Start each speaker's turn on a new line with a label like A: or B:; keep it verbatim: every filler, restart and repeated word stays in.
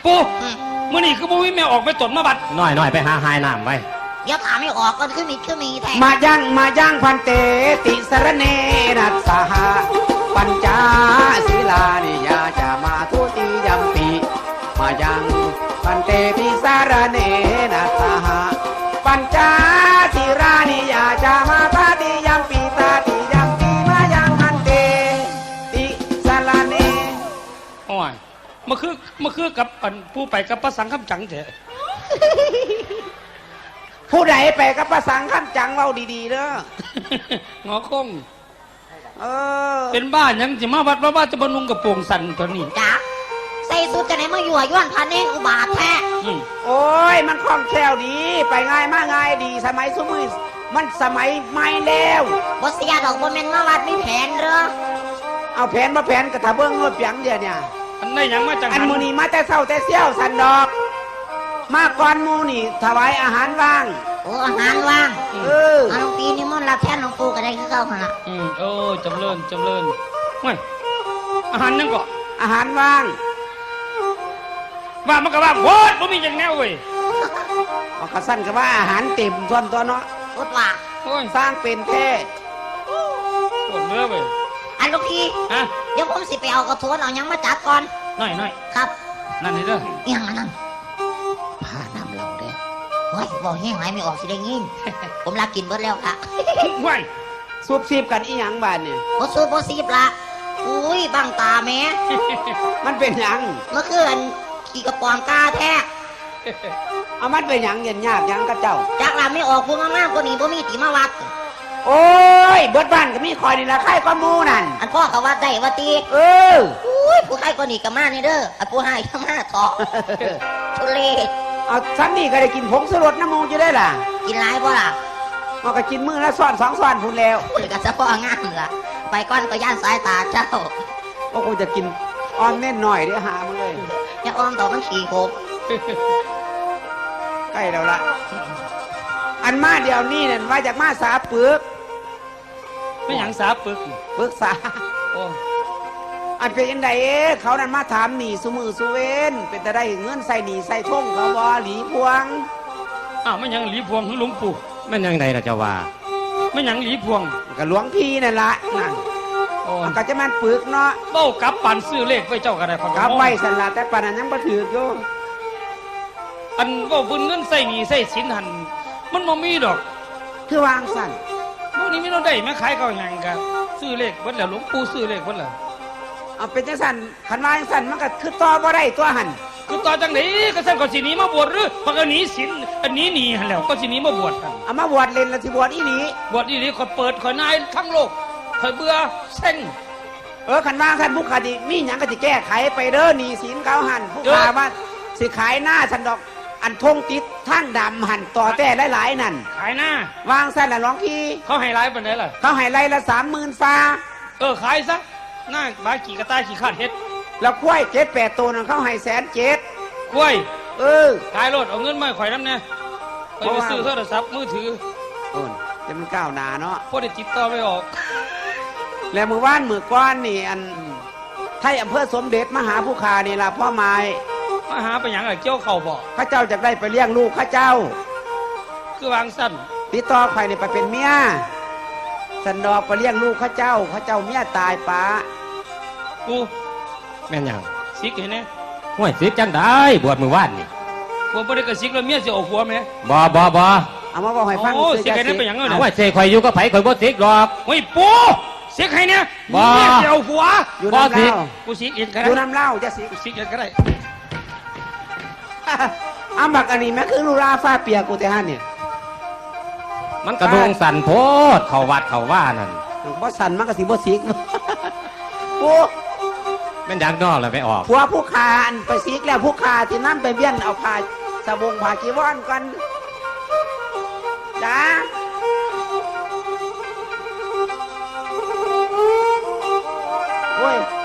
A: ปูมื่อนี้คือบ่มีแม่ออกไปตดมาบัดน้อยน้อยไปหาหายน้ำไว้
B: อย่าถามไม่ออกก็คือมีคือมีแท้
C: มายังมายังพันเตติสรเนนัสสหะปัญจศีลานิยาจะมาทุติยมปีมายังพันเตติสรเนนัสสหะปัญจศีลานิยาจะมาตาติยมปีตาติยมปีมายังพันเตติสรเน
A: โอ้ยมาคือมาคือกับอันผู้ไปกับพระสังฆจังเถอะ
C: ผู้ใดไปกับภาษาขั้นจังเว้าดีๆเด้อ
A: งอคง
C: เออ
A: เป็นบ้านยังจะมาวัดว่าบ้านจะบรรลุงกับโป่งสันตัวนี้
B: จ้าใส่สุดจะไหนมาอยู่ย้อนพันเองอุบาทแท้
C: โอ้ยมันคล่องแคล่วดีไปง่ายมากง่ายดีสมัยสมัยมันสมัยใหม่แล้ว
B: บ่เสียดอกบ่แม่นมาวัดมีแผนเด้อ
C: เอาแผนมาแผนกระทะเบิ้งรถเปียงเดียวเนี่ย
A: อันไหนยังมาจัง
C: อันมูนี่มาแต่เศร้าแต่เซี่ยวสันดอกมาก่อนมูนี่ถวายอาหารว่าง
B: โอ้อาหารว่าง
C: เออ
B: หลวงปีนี่มันรับแทนหลวงปู่ก็ได้คือเก่าหั่นล่ะ
A: อืมโอ้จำเริญจำเริญไม่อาหารยังก็
C: อาหารว่าง
A: ว่ามันก็ว่าโคตรบ่มีจังแนวเว้ย
C: เอากระสั้นก็ว่าอาหารเต็มส่วนตัวเนาะ
B: โคตรว่า
A: โอ้ย
C: สร้างเป็นแท้
A: ปวดเนื้อเว้ย
B: อันหลวงพี่ฮะเดี๋ยวผมสิไปเอากระโถนเอายังมาจัดก่อน
A: หน่อยหน่อย
B: ครับ
A: นั่นนี่เด้อ
B: ยังนั่นผ้านำเราเด้อเฮ้ยบอกแห้งไหลไม่ออกสิได้ยินผมรักกินเบิดแล้วค่ะ
A: ว้าย
C: ซุบซีบกันอีหยังบ้านเนี่ย
B: โอ้ซุบโอ้ซีบละอุ้ยบังตาแม่
C: มันเป็นหยัง
B: เมื่อคืนขี่กระป๋องกาแท้
C: เอามันเป็นหยังเย็นยากหยังกับเจ้า
B: จากลาไม่ออกพวกมากๆคนนี้พวกมีตีมาวัด
C: โอ้ยเบิดบ้านก็มีคอยนี่ละใครก็มูนั่น
B: อันพ่อเขาวัดได้วัดตี
C: เออ
B: อุ้ยผู้ใครก็หนีกับมานี่เด้ออันผู้ให้ก็มาถอทุเรศ
C: เอาฉันนี่ก็ได้กินผงสลดน้ำมูจะได้ล่ะ
B: กินไรบ่ล่ะ
C: มันก็กินมือละซ้อนสองซ้อนพูนแล้ว
B: คุณกับเฉพาะงามล่ะไปก้อนก็ย่านสายตาเจ้า
C: ก็คงจะกินอ้อมเน่นหน่อยเดี๋ยวหามาเลย
B: อย่าอ้อมต่อมันขี่โคบ
C: ใกล้แล้วล่ะอันมาเดี๋ยวนี้เนี่ยว่าจากมาสาปึก
A: ไม่หยังสาปึก
C: ปึกษาโอ้อันเป็นยังไงเขานั่นมาถามหนีสุมือสุเวนเป็นแต่ได้เงินใส่หนีใส่ท่งเขาบ่หลีพวง
A: อ้าวไม่ยังหลีพวงหรือหลวงปู่
D: ไม่ยังไงล่ะเจ้าว่า
A: ไม่ยังหลีพวง
C: กับหลวงพี่นั่นละนั่นโอ้ก็จะมันปึกเนาะ
A: เบ้ากับปั่นซื้อเลขไว้เจ้ากันได้
C: พอกับไว้สันละแต่ปานนั้นยังบ่ถืออยู่
A: อันว่าบุญเงินใส่หนีใส่สินหันมันบ่มีดอก
C: คือวางสั่น
A: พวกนี้ไม่ต้องได้แม่ขายเขาอย่างกันซื้อเลขเพิ่นแล้วหลวงปู่ซื้อเลขเพิ่นแล้ว
C: เอาเป็นจังสั่นขันวางสั่นมันก็คือต่อบ่ได้ตัวหัน
A: คือต่อจังไหนก็สั่นก็สิหนีมาบวชหรือเพราะก็หนีศีลอันนี้หนีหันแล้วก็สิหนีมาบวชกัน
C: เอามาบวชเล่นแล้วสิบวชอีหลี
A: บวชอีหลีคนเปิดคนนายทั้งโลกคนเบื่อเซ็ง
C: เออขันวางสั่นผู้ขาดีมีหยังก็สิแก้ไขไปเด้อหนีศีลเขาหันผู้ขาว่าสิขายหน้าฉันดอกอันทงติดทั้งดำหันต่อแต่หลายๆนั่น
A: ขายหน้
C: าวางสั่นละร้องพี่
A: เขาให้ไล่ปานใดล่ะ
C: เขาให้ไล่ละสามหมื่นฟ้า
A: เออขายซะหน้าบาขี่กระต่ายขี่ขาดเฮ็ด
C: แล้วกล้วยเจ็ดแปดตัวนั่นเขาให้แสนเจ็ด
A: กล้วย
C: เออ
A: ขายรถเอาเงินมาข่อยน้ำเนี่ยไปซื้อโทรศัพท์มือถือ
C: โอ้ยจะมันก้าวหน้าเนาะ
A: พอได้ติดต่อไม่ออก
C: แล้วมือว่านมือก้อนนี่อันไทยอำเภอสมเด็จมหาภูคานี่ล่ะพ่อไม้
A: มาหาไปอย่างไรเกี่ยวเข่าบ่
C: ข้าเจ้าจะได้ไปเลี้ยงลูกข้าเจ้า
A: คือวางสั้น
C: ติดต่อใครนี่ไปเป็นเมียสันดอกไปเลี้ยงลูกข้าเจ้าข้าเจ้าเมียตายป้า
A: กู
D: แม่นยัง
A: ซิกเห็นไหม
D: ห่วยซิกจังได้บวชมือว่านนี่
A: บวชบ่ได้กระซิกแล้วเมียจะเอาหัวไหม
D: บ่บ่บ่
C: เอามาบอกให้ฟัง
A: ซิกเห็นไหมเป็นอย่างเงี้ยเอา
D: ไว้เสกข่อยอยู่ก็ไผ่ข่อยบ่ซิกหรอก
A: เฮ้ยปูซิกให้เนี่ย
D: บ่
A: จะเอาหัว
C: บ่ซิก
A: กูซิกเองก็ได้
C: อยู่น้ำเล่าจะซิก
A: ซิกเองก็ได้
C: อาบักอันนี้แม่คือลูลาฟ้าเปียกกูแต่ฮั่นเนี่ย
D: มันกระดงสั่นโพดเขาวัดเขาว่านั่น
C: บ่สั่นมันก็สิบ่ซิกกู
D: แม่นดังนอกเลยไปออก
C: ผัวผู้ขาอันไปซิกแล้วผู้ขาที่นั่นไปเบี้ยนเอาผ้าสบงผ้าจีวรกันจ้าโอ้ย